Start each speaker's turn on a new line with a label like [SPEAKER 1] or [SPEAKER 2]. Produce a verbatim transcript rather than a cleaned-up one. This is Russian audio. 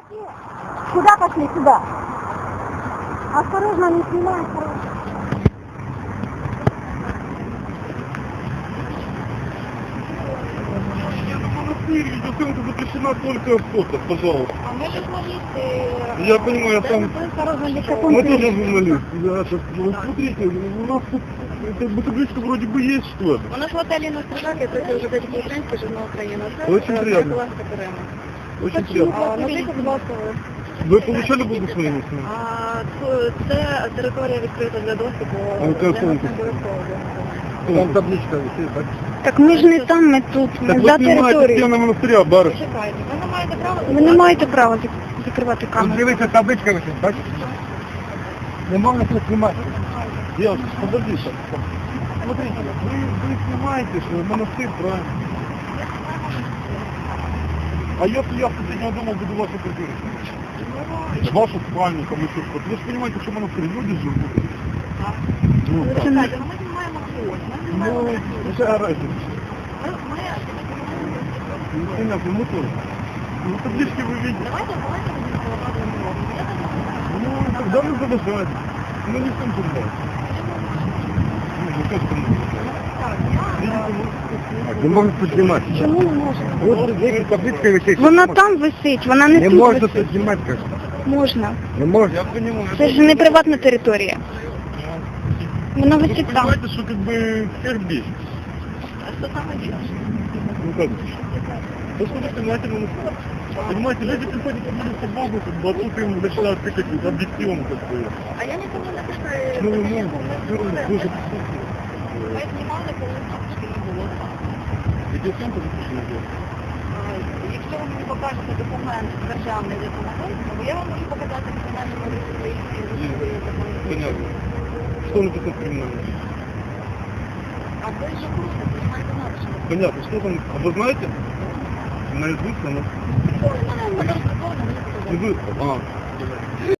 [SPEAKER 1] Куда пошли? Сюда. Осторожно, не снимай, осторожно.
[SPEAKER 2] Видеосъемка запрещена только фото, пожалуйста.
[SPEAKER 1] А мы журналисты.
[SPEAKER 2] Я понимаю, я там... Мы тоже журналисты. Да, так, ну, смотрите, у нас тут это, эта табличка вроде бы есть, что ли?
[SPEAKER 1] У нас в отеле на Стражаке, это уже дайте украинский журнал Украина.
[SPEAKER 2] Очень приятно. Очень приятно.
[SPEAKER 1] А, назвіть, будь ласка, ви.
[SPEAKER 2] Ви получали благословение?
[SPEAKER 1] А, ц- це територія відкрита для доступу.
[SPEAKER 2] А яка
[SPEAKER 1] Для
[SPEAKER 2] оцінка?
[SPEAKER 1] нас не обов'язково.
[SPEAKER 2] Там табличка висит, так?
[SPEAKER 3] Так ми ж не там, ми тут, ми
[SPEAKER 2] Так
[SPEAKER 3] за
[SPEAKER 2] ви знімаєте
[SPEAKER 3] територією.
[SPEAKER 2] стіну монастиря, бариш.
[SPEAKER 1] Чекайте, ви не маєте права...
[SPEAKER 3] Ви не маєте права зак- закривати камеру.
[SPEAKER 2] Дивіться, табличка висить, бачите? Не можна тут знімати. Девушка, подождите. Смотрите, вы, вы снимаете, что монастырь, правильно? А если я с соседнего дома буду вашу квартиру снимать? Вашу спальню, там еще что-то. Вы же понимаете, что монастырь, люди живут. Ну, так.
[SPEAKER 1] Чекайте, ну ми знімаємо фото. Ми
[SPEAKER 2] Ну,
[SPEAKER 1] знімаємо...
[SPEAKER 2] какая разница?
[SPEAKER 1] Ми...
[SPEAKER 2] Ну, понятно, мы тоже. Ну, таблички вы видите.
[SPEAKER 1] Давайте, давайте будемо проводити.
[SPEAKER 2] Ну, тогда мы задержать. Ну, не всем туда. Ну, ну, как это можно сделать? Не можна піднімати.
[SPEAKER 3] Чому не можна?
[SPEAKER 2] От дивіться, табличка висить.
[SPEAKER 3] Вона там висить, вона не,
[SPEAKER 2] Не
[SPEAKER 3] тут
[SPEAKER 2] можна
[SPEAKER 3] висить.
[SPEAKER 2] піднімати, кажу.
[SPEAKER 3] Можна.
[SPEAKER 2] Не можна. Я понимаю.
[SPEAKER 3] Це ж не приватна територія. Вона
[SPEAKER 2] Вы
[SPEAKER 3] висить там.
[SPEAKER 2] понимаете, что как бы всех бесит.
[SPEAKER 1] А що саме більше?
[SPEAKER 2] Ну как? То, что вы понимаете, ну, понимаете, люди приходят к молиться Богу, как бы, а тут им начинают тыкать вот объективом, как бы.
[SPEAKER 1] А я нікому не писаю.
[SPEAKER 2] Ну, ну, ну, дуже
[SPEAKER 1] Ми знімали, коли тільки не було.
[SPEAKER 2] Відеосйомка запрещена делать.
[SPEAKER 1] Якщо ви мені покажете документ державний, де це знаходиться, бо я вам можу показати кримінальну поліцію.
[SPEAKER 2] Понятно. Что написано в криминальном?
[SPEAKER 1] А ви ж просто знімаєте наші.
[SPEAKER 2] Понятно, что там, а вы знаете? Наизусть она.
[SPEAKER 1] Ну, в мене
[SPEAKER 2] И вы, а,